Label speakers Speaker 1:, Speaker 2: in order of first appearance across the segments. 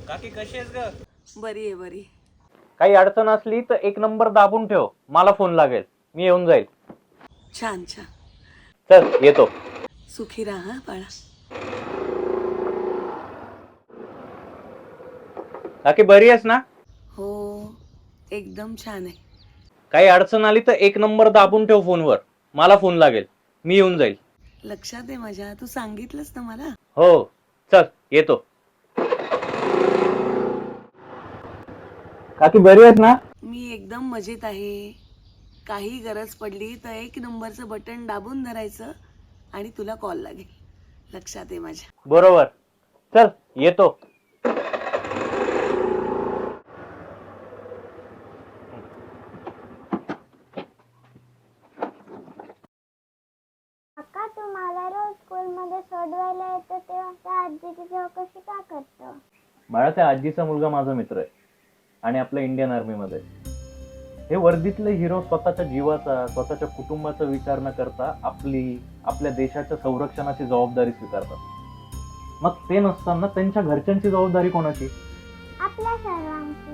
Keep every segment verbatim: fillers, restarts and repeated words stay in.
Speaker 1: काकी कशी आहेस ग?
Speaker 2: बरी आहे बरी.
Speaker 3: काही अडचण असली तर एक नंबर दाबून ठेव, मला फोन लागेल, मी येऊन जाईल.
Speaker 2: छान छान.
Speaker 3: चल येतो.
Speaker 2: सुखी राहा हा बाळा.
Speaker 3: काकी बरी आहेस ना?
Speaker 2: हो एकदम छान आहे.
Speaker 3: काही अडचण आली तर एक नंबर दाबून ठेव फोनवर, मला फोन लागेल, मी येऊन जाईल.
Speaker 2: लक्षात आहे माझ्या, तू सांगितलंस ना मला.
Speaker 3: हो चल येतो. काकी बरी आहेस ना?
Speaker 2: मी एकदम मजेत आहे. काही गरज पडली तर एक नंबरचं बटन दाबून धरायचं आणि तुला कॉल लागेल. लक्षात आहे माझ्या.
Speaker 3: बरोबर. चल येतो.
Speaker 4: काका तुम्हाला रोज स्कूलमध्ये सोडवायला येतं तेव्हा त्या आजीची चौकशी का करतो?
Speaker 3: बाळा, त्या आजीचा मुलगा माझा मित्र आहे आणि आपल्या इंडियन आर्मी मध्ये. हे वर्दीतले हिरो स्वतःच्या जीवाचा, स्वतःच्या कुटुंबाचा विचार न करता आपली आपल्या देशाच्या संरक्षणाची जबाबदारी स्वीकारतात. मग ते नसताना त्यांच्या घरच्यांची जबाबदारी कोणाची?
Speaker 4: आपल्या सर्वांची.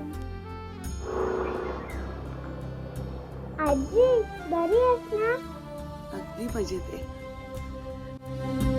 Speaker 4: आजी बरी आहेस ना?
Speaker 2: अगदी मजेत आहे.